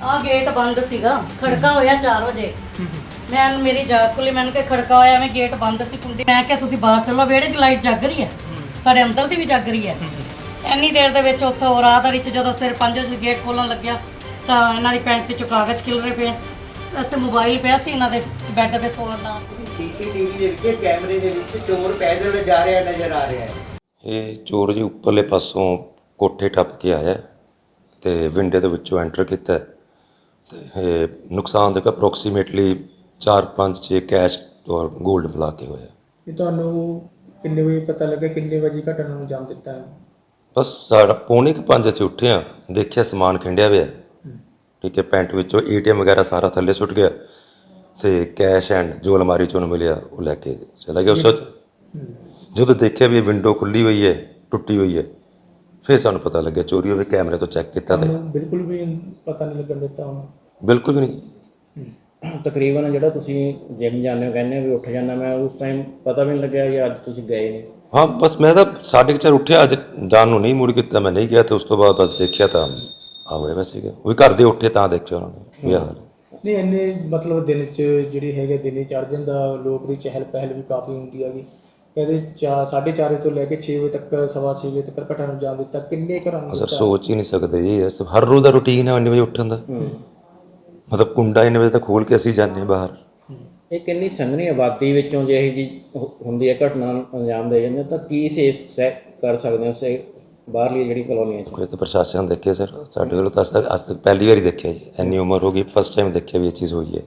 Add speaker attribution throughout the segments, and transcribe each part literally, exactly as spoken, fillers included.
Speaker 1: ਆ ਗੇਟ ਬੰਦ ਸੀਗਾ, ਖੜਕਾ ਹੋਇਆ ਚਾਰ ਵਜੇ। ਮੈਂ ਮੇਰੀ ਜਾਗ ਖੁੱਲੀ, ਮੈਨੂੰ ਕਿ ਖੜਕਾ ਹੋਇਆ, ਮੈਂ ਗੇਟ ਬੰਦ ਸੀ ਕੁੰਡੀ। ਮੈਂ ਕਿਹਾ ਤੁਸੀਂ ਬਾਹਰ ਚੱਲੋ, ਵਿਹੜੇ ਦੀ ਲਾਈਟ ਜਗ ਰਹੀ ਹੈ, ਸਾਡੇ ਅੰਦਰ ਦੀ ਵੀ ਜਗ ਰਹੀ ਹੈ। ਇੰਨੀ ਦੇਰ ਦੇ ਵਿੱਚ ਉੱਥੋਂ ਰਾਤ ਵਿੱਚ ਜਦੋਂ ਸਿਰ ਪੰਜ ਵਜੇ ਗੇਟ ਖੋਲਣ ਲੱਗਿਆ ਤਾਂ ਇਹਨਾਂ ਦੀ ਪੈਂਟ 'ਚੋਂ ਕਾਗਜ਼ ਖਿਲਰੇ ਪਏ, ਇੱਥੇ ਮੋਬਾਈਲ ਪਿਆ ਸੀ ਇਹਨਾਂ ਦੇ ਬੈੱਡ ਦੇ ਸੋਰ ਨਾਲ।
Speaker 2: ਸੀਸੀਟੀਵੀ ਦੇ ਵਿੱਚ ਕੈਮਰੇ ਦੇ ਵਿੱਚ ਚੋਰ ਪੈਦਲ ਜਾ ਰਿਹਾ ਨਜ਼ਰ ਆ ਰਿਹਾ ਹੈ।
Speaker 3: ਇਹ ਚੋਰ ਜੀ ਉੱਪਰਲੇ ਪਾਸੋਂ ਕੋਠੇ ਟੱਪ ਕੇ ਆਇਆ ਤੇ ਵਿੰਡੇ ਦੇ ਵਿੱਚੋਂ ਐਂਟਰ ਕੀਤਾ ਤੇ ਇਹ ਨੁਕਸਾਨ ਦੇਖੋ ਅਪਰੋਕਸੀਮੇਟਲੀ ਚਾਰ ਪੰਜ ਛੇ ਕੈਸ਼ ਔਰ ਗੋਲਡ ਮਿਲਾ ਕੇ ਹੋਇਆ।
Speaker 4: ਇਹ ਤੁਹਾਨੂੰ ਕਿੰਨੇ ਵਜੇ ਪਤਾ ਲੱਗਾ, ਕਿੰਨੇ ਵਜੇ ਘਟਨਾ ਨੂੰ ਅੰਜਾਮ ਦਿੱਤਾ ਹੈ?
Speaker 3: ਬਸ ਸਾਡਾ ਪੌਣੇ ਕੁ ਪੰਜ ਅਸੀਂ ਉੱਠੇ ਹਾਂ, ਦੇਖਿਆ ਸਮਾਨ ਖਿੰਡਿਆ ਹੋਇਆ, ਠੀਕ ਹੈ, ਪੈਂਟ ਵਿੱਚੋਂ ਏ ਟੀ ਐਮ ਵਗੈਰਾ ਸਾਰਾ ਥੱਲੇ ਸੁੱਟ ਗਿਆ ਤੇ ਕੈਸ਼ ਐਂਡ ਜੋ ਅਲਮਾਰੀ 'ਚੋਂ ਮਿਲਿਆ ਉਹ ਲੈ ਕੇ ਚਲਾ ਗਿਆ। ਉਸ ਜਦੋਂ ਦੇਖਿਆ ਵੀ ਇਹ ਵਿੰਡੋ ਖੁੱਲੀ ਹੋਈ ਹੈ, ਟੁੱਟੀ ਹੋਈ ਹੈ, ਫਿਰ ਸਾਨੂੰ ਪਤਾ ਲੱਗਿਆ ਚੋਰੀ ਹੋਵੇ। ਕੈਮਰੇ ਤੋਂ ਚੈੱਕ ਕੀਤਾ ਤੇ
Speaker 4: ਬਿਲਕੁਲ ਵੀ ਪਤਾ ਨਹੀਂ ਲੱਗਣ ਦਿੱਤਾ ਉਹਨੂੰ?
Speaker 3: ਬਿਲਕੁਲ ਵੀ ਨਹੀਂ।
Speaker 5: ਤਕਰੀਬਨ ਜਿਹੜਾ ਤੁਸੀਂ ਜਿਮ ਜਾਂਦੇ ਹੋ ਕਹਿੰਦੇ ਵੀ ਉੱਠ ਜਾਂਦਾ, ਮੈਂ ਉਸ ਟਾਈਮ ਪਤਾ ਵੀ ਨਹੀਂ ਲੱਗਿਆ ਕਿ ਅੱਜ ਤੁਸੀਂ ਗਏ ਨੇ?
Speaker 3: ਹਾਂ ਬਸ ਮੈਂ ਤਾਂ ਸਾਢੇ ਕੁ ਚਾਰ ਉੱਠਿਆ, ਅੱਜ ਜਾਣ ਨੂੰ ਨਹੀਂ ਮੁੜ ਕੀਤਾ, ਮੈਂ ਨਹੀਂ ਗਿਆ ਤੇ ਉਸ ਤੋਂ ਬਾਅਦ ਬਸ ਦੇਖਿਆ ਤਾਂ ਆ ਹੋਇਆ ਵੈਸੇ ਗਿਆ। ਉਹ ਵੀ ਘਰ ਦੇ ਉੱਠੇ ਤਾਂ ਦੇਖਿਆ ਉਹਨਾਂ ਨੇ ਇਹ ਹਾਲ।
Speaker 4: ਨਹੀਂ ਇੰਨੇ ਮਤਲਬ ਦਿਨ 'ਚ ਜਿਹੜੀ ਹੈਗੇ ਦਿਨੇ ਚੜ ਜਾਂਦਾ, ਲੋਕ ਦੀ ਚਹਿਲ ਪਹਿਲ ਵੀ ਕਾਫੀ ਹੁੰਦੀ ਹੈਗੀ। ਕਹਿੰਦੇ ਚਾਰ ਸਾਢੇ ਚਾਰ ਵਜੇ ਤੋਂ ਲੈ ਕੇ ਛੇ ਵਜੇ ਤੱਕ, ਸਵਾ ਛੇ ਵਜੇ ਤੱਕ ਘਟਨਾ ਨੂੰ ਅੰਜਾਮ ਦਿੱਤਾ। ਕਿੰਨੇ ਘਰਾਂ ਨੂੰ?
Speaker 3: ਸਰ ਸੋਚ ਹੀ ਨਹੀਂ ਸਕਦੇ ਜੀ, ਇਸ ਹਰ ਰੋਜ਼ ਦਾ ਰੂਟੀਨ ਹੈ ਇੰਨੇ ਵਜੇ ਉੱਠਣ ਦਾ। ਮਤਲਬ ਕੁੰਡਾ ਇੰਨੇ ਵਜੇ ਤੱਕ ਖੋਲ ਕੇ ਅਸੀਂ ਜਾਂਦੇ ਹਾਂ ਬਾਹਰ।
Speaker 5: ਇਹ ਕਿੰਨੀ ਸੰਘਣੀ ਆਬਾਦੀ ਵਿੱਚੋਂ ਜੇ ਇਹ ਜੀ ਹੁੰਦੀ ਹੈ ਘਟਨਾ ਨੂੰ ਅੰਜਾਮ ਦੇ ਜਾਂਦੇ ਤਾਂ ਕੀ ਸੇਫ ਸੈਕ ਕਰ ਸਕਦੇ ਹੋ ਸੇ ਬਾਹਰਲੀ ਜਿਹੜੀ ਕਲੋਨੀਆਂ 'ਚ?
Speaker 3: ਕੋਈ ਤਾਂ ਪ੍ਰਸ਼ਾਸਨ ਦੇਖੇ ਸਰ, ਸਾਡੇ ਵੱਲੋਂ ਤਾਂ ਅੱਜ ਤੱਕ ਅੱਜ ਤੱਕ ਪਹਿਲੀ ਵਾਰੀ ਦੇਖਿਆ ਜੀ, ਇੰਨੀ ਉਮਰ ਹੋ ਗਈ ਫਸਟ ਟਾਈਮ ਦੇਖਿਆ ਵੀ ਇਹ ਚੀਜ਼ ਹੋਈ ਹੈ।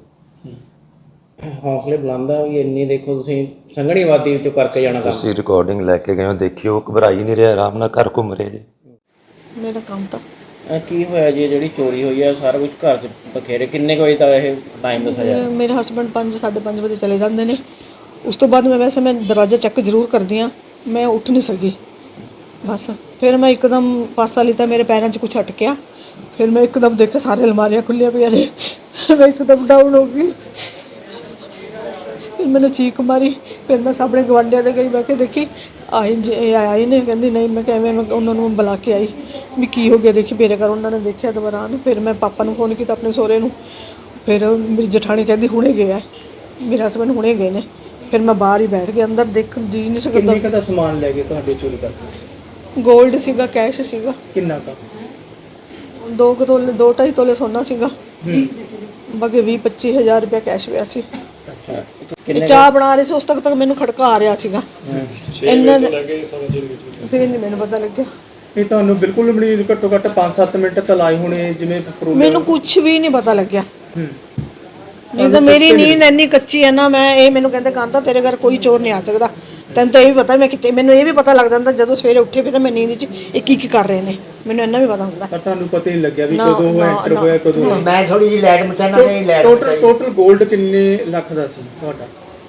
Speaker 5: ਹੌਸਲੇ ਬੁਲੰਦ ਆ ਵੀ ਇੰਨੀ ਦੇਖੋ ਤੁਸੀਂ ਸੰਘਣੀ ਆਬਾਦੀ ਵਿੱਚੋਂ ਕਰਕੇ ਜਾਣਾ ਕੰਮ।
Speaker 3: ਤੁਸੀਂ ਰਿਕਾਰਡਿੰਗ ਲੈ ਕੇ ਗਏ ਹੋ, ਦੇਖਿਓ, ਘਬਰਾ ਹੀ ਨਹੀਂ ਰਿਹਾ, ਆਰਾਮ ਨਾਲ ਘਰ ਘੁੰਮ ਰਿਹਾ ਜੀ।
Speaker 1: ਮੇਰਾ ਕੰਮ ਤਾਂ
Speaker 5: ਇਹ ਕੀ ਹੋਇਆ ਜੀ ਜਿਹੜੀ ਚੋਰੀ ਹੋਈ ਹੈ? ਸਾਰਾ ਕੁਝ ਘਰ 'ਚ ਬਖੇਰੇ। ਕਿੰਨੇ ਕੁ ਵਜੇ ਤੱਕ ਇਹ ਟਾਈਮ ਦੱਸਿਆ ਜਾ?
Speaker 6: ਮੇਰੇ ਹਸਬੰਡ ਪੰਜ ਸਾਢੇ ਪੰਜ ਵਜੇ ਚਲੇ ਜਾਂਦੇ ਨੇ। ਉਸ ਤੋਂ ਬਾਅਦ ਮੈਂ ਵੈਸੇ ਮੈਂ ਦਰਵਾਜ਼ਾ ਚੈੱਕ ਜ਼ਰੂਰ ਕਰਦੀ ਹਾਂ, ਮੈਂ ਉੱਠ ਨਹੀਂ ਸਕੀ ਬਸ। ਫਿਰ ਮੈਂ ਇੱਕਦਮ ਪਾਸਾ ਲਿੱਤਾ, ਮੇਰੇ ਪੈਰਾਂ 'ਚ ਕੁਛ ਅਟਕਿਆ, ਫਿਰ ਮੈਂ ਇੱਕਦਮ ਦੇਖਿਆ ਸਾਰੇ ਅਲਮਾਰੀਆਂ ਖੁੱਲੀਆਂ ਪਈਆਂ ਨੇ, ਮੈਂ ਇੱਕਦਮ ਡਾਊਨ ਹੋ ਗਈ। ਫਿਰ मैंने चीख मारी, फिर मैं सामने गवांढिया दे गई, मैं देखी आई जे आई ने, कहती नहीं, मैं मैं उन्होंने बुला के आई भी की हो गया, देखी मेरे घर उन्होंने देखा दौरान। फिर मैं पापा को फोन किया अपने सोहरे नूं, फिर मेरी जठानी कहती हुणे गया, मेरे हसबैंड हुणे गए ने। फिर मैं बाहर ही बैठ गया, अंदर देख जी नहीं सकता।
Speaker 4: किन्ने का समान ले गए तुहाडे चोरी करके?
Speaker 6: गोल्ड सीगा, कैश सीगा।
Speaker 4: किन्ना का?
Speaker 6: दो तोले, दो ढाई तोले सोना सीगा, बाकी भी पच्ची हज़ार रुपया कैश पिया सी। ਚਾਹ ਬਣਾ ਰਹੇ ਸੀ, ਉਸ ਤੱਕ ਤੱਕ ਮੈਨੂੰ ਖੜਕਾ ਆ ਰਿਹਾ ਸੀਗਾ। ਇਹਨਾਂ ਦੇ ਫਿਰ ਨਹੀਂ ਮੈਨੂੰ ਪਤਾ ਲੱਗਿਆ।
Speaker 4: ਇਹ ਤੁਹਾਨੂੰ ਬਿਲਕੁਲ ਵੀ ਨਹੀਂ, ਘੱਟੋ ਘੱਟ ਪੰਜ ਸੱਤ ਮਿੰਟ ਤਾਂ ਲਾਏ ਹੋਣੇ ਜਿਵੇਂ?
Speaker 6: ਮੈਨੂੰ ਕੁਝ ਵੀ ਨਹੀਂ ਪਤਾ ਲੱਗਿਆ। ਨਹੀਂ ਤਾਂ ਮੇਰੀ ਨੀਂਦ ਇੰਨੀ ਕੱਚੀ ਹੈ ਨਾ, ਮੈਂ ਇਹ ਮੈਨੂੰ ਕਹਿੰਦੇ ਕਾਂਤਾ ਤੇਰੇ ਘਰ ਕੋਈ ਚੋਰ ਨਹੀਂ ਆ ਸਕਦਾ, ਤੈਨੂੰ ਤਾਂ ਇਹ ਵੀ ਪਤਾ ਮੈਂ ਕਿਤੇ, ਮੈਨੂੰ ਇਹ ਵੀ ਪਤਾ ਲੱਗ ਜਾਂਦਾ ਜਦੋਂ ਸਵੇਰੇ ਉੱਠੇ ਵੀ ਤਾਂ ਮੈਂ ਨੀਂਦ 'ਚ ਇਹ ਕੀ ਕੀ ਕਰ ਰਹੇ ਨੇ, ਮੈਨੂੰ ਇੰਨਾ ਵੀ ਪਤਾ ਹੁੰਦਾ।
Speaker 4: ਪਰ ਤੁਹਾਨੂੰ ਪਤਾ ਹੀ ਲੱਗਿਆ ਵੀ ਕਦੋਂ ਉਹ ਐਂਟਰ ਹੋਇਆ, ਕਦੋਂ?
Speaker 2: ਮੈਂ ਥੋੜੀ ਜਿਹੀ ਲਾਈਟ ਮਚਾਣਾ ਨਹੀਂ ਲਾਈਟ।
Speaker 4: ਟੋਟਲ ਟੋਟਲ 골ਡ ਕਿੰਨੇ ਲੱਖ ਦਾ ਸੀ ਤੁਹਾਡਾ?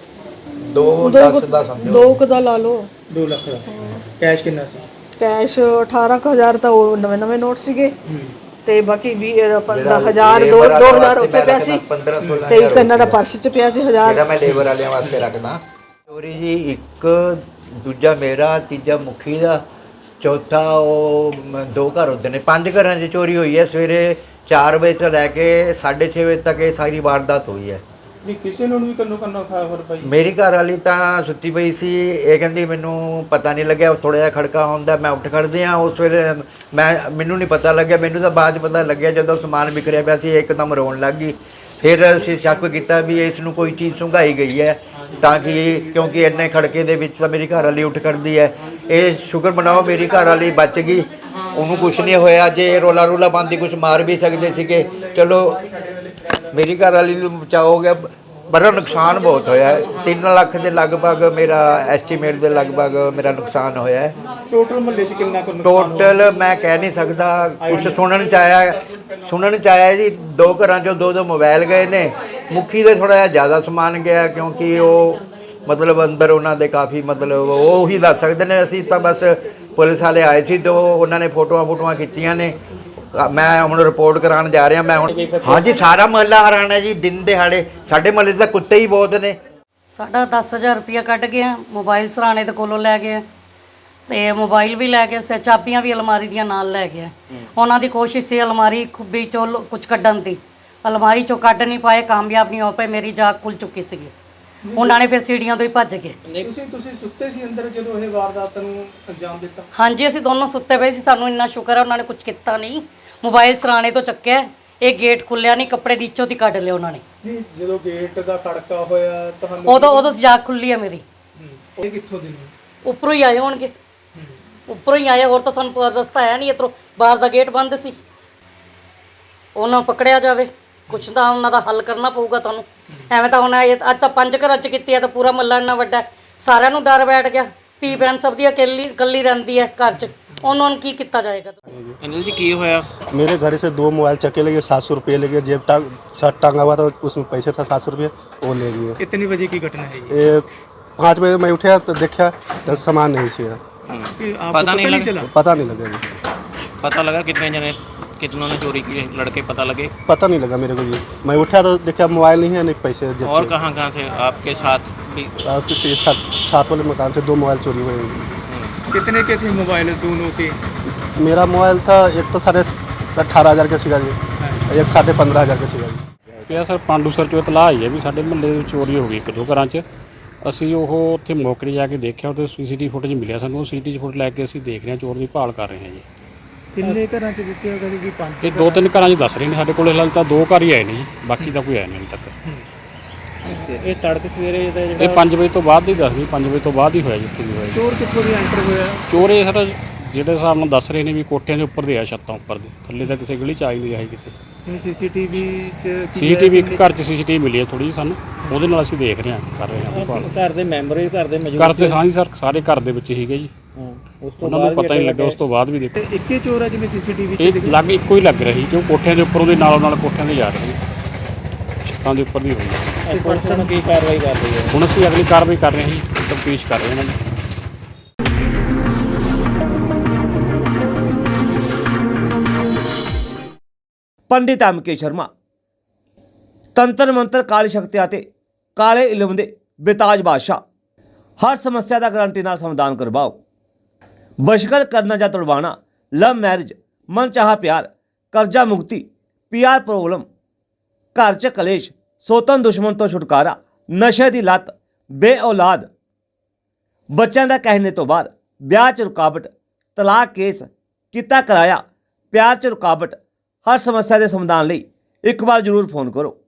Speaker 2: ਦੋ ਦਸ ਦਾ ਸਮਝੋ,
Speaker 6: ਦੋ ਕੁ ਦਾ ਲਾ ਲਓ।
Speaker 4: ਦੋ ਲੱਖ ਦਾ। ਕੈਸ਼ ਕਿੰਨਾ ਸੀ?
Speaker 6: ਕੈਸ਼ ਅਠਾਰਾਂ ਕੁ ਹਜ਼ਾਰ ਤਾਂ ਉਹ ਨਵੇਂ ਨਵੇਂ ਨੋਟ ਸੀਗੇ, ਤੇ ਬਾਕੀ ਵੀਹ ਪੰਦਰਾਂ ਹਜ਼ਾਰ ਦੋ ਦੋ ਹਜ਼ਾਰ ਉੱਥੇ ਪਿਆ ਸੀ, ਤੇ ਇੱਕ ਇਹਨਾਂ ਦਾ ਪਰਸ 'ਚ ਪਿਆ ਸੀ ਹਜ਼ਾਰ,
Speaker 2: ਜਿਹੜਾ ਮੈਂ ਲੇਬਰ ਵਾਲਿਆਂ ਵਾਸਤੇ ਰੱਖਦਾ। ਚੋਰੀ ਜੀ ਇੱਕ, ਦੂਜਾ ਮੇਰਾ, ਤੀਜਾ ਮੁਖੀ ਦਾ, ਚੌਥਾ ਉਹ ਦੋ ਘਰ ਹੁੰਦੇ ਨੇ। ਪੰਜ ਘਰਾਂ 'ਚ ਚੋਰੀ ਹੋਈ ਹੈ। ਸਵੇਰੇ ਚਾਰ ਵਜੇ ਤੋਂ ਲੈ ਕੇ ਸਾਢੇ ਛੇ ਵਜੇ ਤੱਕ ਇਹ ਸਾਰੀ ਵਾਰਦਾਤ ਹੋਈ ਹੈ।
Speaker 4: ਨਹੀਂ ਕਿਸੇ ਨੂੰ ਵੀ ਕੰਨੋ ਕੰਨੋ ਖਬਰ ਪਈ?
Speaker 2: ਮੇਰੀ ਘਰ ਵਾਲੀ ਤਾਂ ਸੁੱਤੀ ਪਈ ਸੀ, ਇਹ ਕਹਿੰਦੀ ਮੈਨੂੰ ਪਤਾ ਨਹੀਂ ਲੱਗਿਆ, ਥੋੜ੍ਹਾ ਜਿਹਾ ਖੜਕਾ ਹੁੰਦਾ, ਮੈਂ ਉੱਠ ਖੜਦੇ ਹਾਂ। ਉਸ ਵੇਲੇ ਮੈਂ ਮੈਨੂੰ ਨਹੀਂ ਪਤਾ ਲੱਗਿਆ, ਮੈਨੂੰ ਤਾਂ ਬਾਅਦ 'ਚ ਪਤਾ ਲੱਗਿਆ ਜਦੋਂ ਸਮਾਨ ਵਿਖਰਿਆ ਪਿਆ ਸੀ, ਇੱਕਦਮ ਰੋਣ ਲੱਗ ਗਈ। ਫਿਰ ਅਸੀਂ ਸ਼ੱਕ ਕੀਤਾ ਵੀ ਇਸ ਨੂੰ ਕੋਈ ਚੀਜ਼ ਸੁੰਘਾਈ ਗਈ ਹੈ, ਤਾਂ ਕਿ ਕਿਉਂਕਿ ਇੰਨੇ ਖੜਕੇ ਦੇ ਵਿੱਚ ਤਾਂ ਮੇਰੀ ਘਰ ਵਾਲੀ ਉੱਠ ਖੜਦੀ ਹੈ। ਇਹ ਸ਼ੁਕਰ ਮਨਾਓ ਮੇਰੀ ਘਰ ਵਾਲੀ ਬਚ ਗਈ, ਉਹਨੂੰ ਕੁਛ ਨਹੀਂ ਹੋਇਆ। ਜੇ ਰੋਲਾ ਰੋਲਾ ਬੰਦੀ ਕੁਛ ਮਾਰ ਵੀ ਸਕਦੇ ਸੀਗੇ, ਚਲੋ ਮੇਰੀ ਘਰ ਵਾਲੀ ਨੂੰ ਬਚਾਅ ਹੋ ਗਿਆ। ਬੜਾ ਨੁਕਸਾਨ ਬਹੁਤ ਹੋਇਆ ਹੈ, ਤਿੰਨ ਲੱਖ ਦੇ ਲਗਭਗ ਮੇਰਾ ਐਸਟੀਮੇਟ ਦੇ ਲਗਭਗ ਮੇਰਾ ਨੁਕਸਾਨ ਹੋਇਆ ਹੈ।
Speaker 4: ਟੋਟਲ ਮਹੱਲੇ 'ਚ ਕਿੰਨਾ ਕੁ?
Speaker 2: ਟੋਟਲ ਮੈਂ ਕਹਿ ਨਹੀਂ ਸਕਦਾ, ਕੁਛ ਸੁਣਨ 'ਚ ਆਇਆ ਸੁਣਨ 'ਚ ਆਇਆ ਜੀ ਦੋ ਘਰਾਂ 'ਚੋਂ ਦੋ ਦੋ ਮੋਬਾਈਲ ਗਏ ਨੇ। ਮੁਖੀ ਦੇ ਥੋੜ੍ਹਾ ਜਿਹਾ ਜ਼ਿਆਦਾ ਸਮਾਨ ਗਿਆ, ਕਿਉਂਕਿ ਉਹ ਮਤਲਬ ਅੰਦਰ ਉਹਨਾਂ ਦੇ ਕਾਫੀ ਮਤਲਬ ਉਹ ਹੀ ਦੱਸ ਸਕਦੇ ਨੇ। ਅਸੀਂ ਤਾਂ ਬਸ ਪੁਲਿਸ ਵਾਲੇ ਆਏ ਸੀ ਤੇ ਉਹਨਾਂ ਨੇ ਫੋਟੋਆਂ ਫੋਟੋਆਂ ਖਿੱਚੀਆਂ ਨੇ। ਮੈਂ ਹੁਣ ਰਿਪੋਰਟ ਕਰਾਉਣ ਜਾ ਰਿਹਾ। ਮੈਂ ਹੁਣ ਹਾਂਜੀ ਸਾਰਾ ਮਹੱਲਾ ਹੈਰਾਨ ਹੈ ਜੀ, ਦਿਨ ਦਿਹਾੜੇ ਸਾਡੇ ਮਹੱਲੇ 'ਚ ਤਾਂ ਕੁੱਤੇ ਹੀ ਬਹੁਤ ਨੇ।
Speaker 1: ਸਾਡਾ ਦਸ ਹਜ਼ਾਰ ਰੁਪਇਆ ਕੱਢ ਗਿਆ, ਮੋਬਾਈਲ ਸਰਾਣੇ ਦੇ ਕੋਲੋਂ ਲੈ ਗਏ, ਤੇ ਮੋਬਾਈਲ ਵੀ ਲੈ ਗਏ ਸੀ, ਚਾਬੀਆਂ ਵੀ ਅਲਮਾਰੀ ਦੀਆਂ ਨਾਲ ਲੈ ਗਏ। ਉਹਨਾਂ ਦੀ ਕੋਸ਼ਿਸ਼ ਸੀ ਅਲਮਾਰੀ ਖੁੱਬੀ ਚੋਂ ਕੁਝ ਕੱਢਣ ਦੀ, ਅਲਮਾਰੀ ਚੋਂ ਕੱਢ ਨਹੀਂ ਪਾਏ, ਕਾਮਯਾਬ ਨਹੀਂ ਹੋ ਪਏ, ਮੇਰੀ ਜਾਗ ਖੁੱਲ ਚੁੱਕੀ ਸੀਗੀ। ਉਹਨਾਂ ਨੇ ਫਿਰ ਸੀੜੀਆਂ ਤੋਂ ਹੀ ਭੱਜ ਗਏ।
Speaker 4: ਤੁਸੀਂ ਤੁਸੀਂ ਸੁੱਤੇ ਸੀ ਅੰਦਰ ਜਦੋਂ ਇਹ ਵਾਰਦਾਤ ਨੂੰ ਅੰਜਾਮ ਦਿੱਤਾ?
Speaker 1: ਹਾਂਜੀ ਅਸੀਂ ਦੋਨੋਂ ਸੁੱਤੇ ਪਏ ਸੀ, ਸਾਨੂੰ ਇੰਨਾ ਸ਼ੁਕਰ ਹੈ ਉਹਨਾਂ ਨੇ ਕੁਝ ਕੀਤਾ ਨਹੀਂ। ਮੋਬਾਈਲ ਸਰਾਣੇ ਤੋਂ ਚੱਕਿਆ, ਇਹ ਗੇਟ ਖੁੱਲਿਆ ਨਹੀਂ, ਕੱਪੜੇ ਦੀ ਇੱਚੋ ਦੀ ਕੱਢ ਲਿਆ ਉਹਨਾਂ ਨੇ।
Speaker 4: ਨਹੀਂ ਜਦੋਂ ਗੇਟ ਦਾ ਖੜਕਾ ਹੋਇਆ ਤੁਹਾਨੂੰ
Speaker 1: ਉਦੋਂ ਉਦੋਂ ਜਾਗ ਖੁੱਲੀ ਹੈ ਮੇਰੀ।
Speaker 4: ਹੂੰ, ਇਹ ਕਿੱਥੋਂ ਦੀ ਨੇ?
Speaker 1: ਉੱਪਰੋਂ ਹੀ ਆਏ ਹੋਣਗੇ, ਉੱਪਰੋਂ ਹੀ ਆਏ, ਹੋਰ ਤਾਂ ਸਾਨੂੰ ਪ- ਰਸਤਾ ਹੈ ਨਹੀਂ ਇੱਧਰੋਂ, ਬਾਹਰ ਦਾ ਗੇਟ ਬੰਦ ਸੀ। ਉਹਨਾਂ ਨੂੰ ਪਕੜਿਆ ਜਾਵੇ, ਕੁਛ ਤਾਂ ਉਹਨਾਂ ਦਾ ਹੱਲ ਕਰਨਾ ਪਊਗਾ ਤੁਹਾਨੂੰ। ਐਵੇਂ ਤਾਂ ਹੁਣ ਇਹ ਅੱਜ ਤਾਂ ਪੰਜ ਘਰਾਂ 'ਚ ਕੀਤੀ ਹੈ ਤਾਂ ਪੂਰਾ ਮੱਲਾ ਇੰਨਾ ਵੱਡਾ ਹੈ, ਸਾਰਿਆਂ ਨੂੰ ਡਰ ਬੈਠ ਗਿਆ। ਧੀ ਭੈਣ ਸਭ ਦੀ ਇਕੱਲੀ ਇਕੱਲੀ ਰਹਿੰਦੀ ਹੈ ਘਰ 'ਚ, ਉਹਨਾਂ ਨੂੰ ਕੀ ਕੀਤਾ ਜਾਏਗਾ?
Speaker 5: ਅਨਿਲ ਜੀ ਕੀ ਹੋਇਆ?
Speaker 7: मेरे घर से दो मोबाइल चक्के लगे, सात सौ रुपये लगे, जेब टांग शर्ट टांगा हुआ था, उसमें पैसे था सात सौ रुपये, वो ले लिए।
Speaker 4: कितनी बजे की घटना है ये?
Speaker 7: ये पाँच बजे मैं उठा तो देखा तो सामान नहीं थी,
Speaker 4: कि आपको
Speaker 5: पता नहीं लगा?
Speaker 4: चला?
Speaker 7: पता नहीं लगा जी,
Speaker 5: पता लगा कितने जने कितनों ने चोरी की? लड़के पता लगे?
Speaker 7: पता नहीं लगा मेरे को जी। मैं उठा तो देखा मोबाइल नहीं है, नहीं पैसे जेब
Speaker 5: और
Speaker 7: से।
Speaker 5: कहाँ कहाँ से आपके साथ भी?
Speaker 7: और उसके से सात सात वाले मकान से दो मोबाइल चोरी हुए।
Speaker 4: कितने के थे मोबाइल दोनों के?
Speaker 7: मेरा मोबाइल था एक तो साढ़े अठारह हज़ार का सीगा जी, एक साढ़े पंद्रह हज़ार का सीगा जी।
Speaker 8: ਇਹ ਸਰ ਪਾਂਡੂ ਸਰ ਚੋਂ ਇਤਲਾਹ ਆਈ ਹੈ ਵੀ ਸਾਡੇ ਮੁਹੱਲੇ ਵਿੱਚ ਚੋਰੀ ਹੋ ਗਈ ਇੱਕ ਦੋ ਘਰਾਂ 'ਚ। ਅਸੀਂ ਉਹ ਉੱਥੇ ਮੌਕੇ 'ਤੇ ਜਾ ਕੇ ਦੇਖਿਆ, ਉਹਦੇ ਸੀਸੀਟੀਵੀ ਫੁਟੇਜ ਮਿਲਿਆ ਸਾਨੂੰ। ਉਹ ਸੀਸੀਟੀਵੀ ਫੁਟੇਜ ਲੈ ਕੇ ਅਸੀਂ ਦੇਖ ਰਹੇ ਹਾਂ, ਚੋਰ ਦੀ ਭਾਲ ਕਰ ਰਹੇ ਹਾਂ ਜੀ।
Speaker 4: ਕਿੰਨੇ ਘਰਾਂ ਚ ਦਿੱਤੇ ਹੋਗਾ ਜੀ? ਪੰਜ?
Speaker 8: ਇਹ ਦੋ ਤਿੰਨ ਘਰਾਂ 'ਚ ਦੱਸ ਰਹੇ ਨੇ, ਸਾਡੇ ਕੋਲ ਹਾਲੇ ਤਾਂ ਦੋ ਘਰ ਹੀ ਆਏ ਨੇ ਜੀ, ਬਾਕੀ ਤਾਂ ਕੋਈ ਆਇਆ ਨਹੀਂ ਹਾਲੇ ਤੱਕ।
Speaker 5: ਇਹ ਤੜਕੇ ਸਵੇਰੇ
Speaker 8: ਇਹ ਪੰਜ ਵਜੇ ਤੋਂ ਬਾਅਦ ਹੀ ਦੱਸਦੀ, ਪੰਜ ਵਜੇ ਤੋਂ ਬਾਅਦ ਹੀ ਹੋਇਆ ਜਿੱਥੇ ਵੀ ਹੋਇਆ।
Speaker 4: ਚੋਰ ਕਿੱਥੋਂ ਦੀ ਐਂਟਰ ਹੋਇਆ?
Speaker 8: ਚੋਰ ਇਹ ਸਰ ਜਿਹੜੇ ਹਿਸਾਬ ਨਾਲ ਦੱਸ ਰਹੇ ਨੇ ਵੀ ਕੋਠਿਆਂ ਦੇ ਉੱਪਰ ਦੇ ਆ, ਛੱਤਾਂ ਉੱਪਰ ਦੇ, ਥੱਲੇ ਤਾਂ ਕਿਸੇ ਗਲੀ 'ਚ ਆਈ ਨਹੀਂ ਆਈ ਕਿਤੇ।
Speaker 4: ਸੀਸੀਟੀਵੀ ਚ ਕੀ
Speaker 8: ਸੀਸੀਟੀਵੀ ਇੱਕ ਘਰ 'ਚ ਸੀਸੀਟੀਵੀ ਮਿਲੀ ਹੈ ਥੋੜੀ ਜਿਹੀ ਸਾਨੂੰ, ਉਹਦੇ ਨਾਲ ਅਸੀਂ ਦੇਖ ਰਹੇ ਹਾਂ, ਕਰ ਰਹੇ ਹਾਂ ਭਾਲ।
Speaker 5: ਘਰ ਦੇ ਮੈਂਬਰ ਵੀ ਘਰ ਦੇ ਮੌਜੂਦ
Speaker 8: ਘਰ ਤੇ ਹਾਂ ਜੀ ਸਰ, ਸਾਰੇ ਘਰ ਦੇ ਵਿੱਚ ਸੀਗੇ ਜੀ,
Speaker 5: ਉਸ ਤੋਂ
Speaker 8: ਉਹਨਾਂ ਨੂੰ ਪਤਾ ਹੀ ਨਹੀਂ ਲੱਗਾ। ਉਸ ਤੋਂ ਬਾਅਦ ਵੀ ਦੇਖੋ
Speaker 4: ਤੇ ਇੱਕੇ ਚੋਰ ਆ ਜਿਵੇਂ ਸੀਸੀਟੀਵੀ ਚ
Speaker 8: ਇਹ ਲੱਗ ਇੱਕੋ ਹੀ ਲੱਗ ਰਹੀ, ਕਿਉਂ ਕੋਠਿਆਂ ਦੇ ਉੱਪਰੋਂ ਦੇ ਨਾਲੋਂ ਨਾਲ ਕੋਠਿਆਂ ਦੇ ਜਾ ਰਹੇ ਸੀ, ਛੱਤਾਂ ਦੇ ਉੱਪਰ ਦੀ ਹੋਈ ਹੈ।
Speaker 5: ਪੁਲਿਸ ਨੂੰ ਕੀ ਕਾਰਵਾਈ ਕਰ ਰਹੀ ਹੈ?
Speaker 8: ਹੁਣ ਅਸੀਂ ਅਗਲੀ ਕਾਰਵਾਈ ਕਰ ਰਹੇ ਹਾਂ ਜੀ, ਤਫਤੀਸ਼ ਕਰ ਰਹੇ ਹਾਂ ਇਹਨਾਂ ਦੀ।
Speaker 9: ਪੰਡਿਤ ਐਮ ਕੇ ਸ਼ਰਮਾ ਤੰਤਰ ਮੰਤਰ ਕਾਲੀ ਸ਼ਕਤੀ ਅਤੇ ਕਾਲੇ ਇਲਮ ਦੇ ਬੇਤਾਜ ਬਾਦਸ਼ਾਹ, ਹਰ ਸਮੱਸਿਆ ਦਾ ਗਰੰਟੀ ਨਾਲ ਸਮਾਧਾਨ ਕਰਵਾਓ। ਬਸ਼ਕਰ ਕਰਨਾ ਜਾਂ ਤੁੜਵਾਣਾ, ਲਵ ਮੈਰਿਜ, ਮਨ ਚਾਹਾ ਪਿਆਰ, ਕਰਜ਼ਾ ਮੁਕਤੀ, ਪੀਆਰ ਪ੍ਰੋਬਲਮ, ਘਰ 'ਚ ਕਲੇਸ਼, ਸੋਤਨ ਦੁਸ਼ਮਣ ਤੋਂ ਛੁਟਕਾਰਾ, ਨਸ਼ੇ ਦੀ ਲੱਤ, ਬੇ ਔਲਾਦ, ਬੱਚਿਆਂ ਦਾ ਕਹਿਣੇ ਤੋਂ ਬਾਅਦ, ਵਿਆਹ 'ਚ ਰੁਕਾਵਟ, ਤਲਾਕ ਕੇਸ, ਕੀਤਾ ਕਰਾਇਆ, ਪਿਆਰ 'ਚ ਰੁਕਾਵਟ, ਹਰ ਸਮੱਸਿਆ ਦੇ ਸਮਾਧਾਨ ਲਈ ਇੱਕ ਵਾਰ ਜ਼ਰੂਰ ਫੋਨ ਕਰੋ।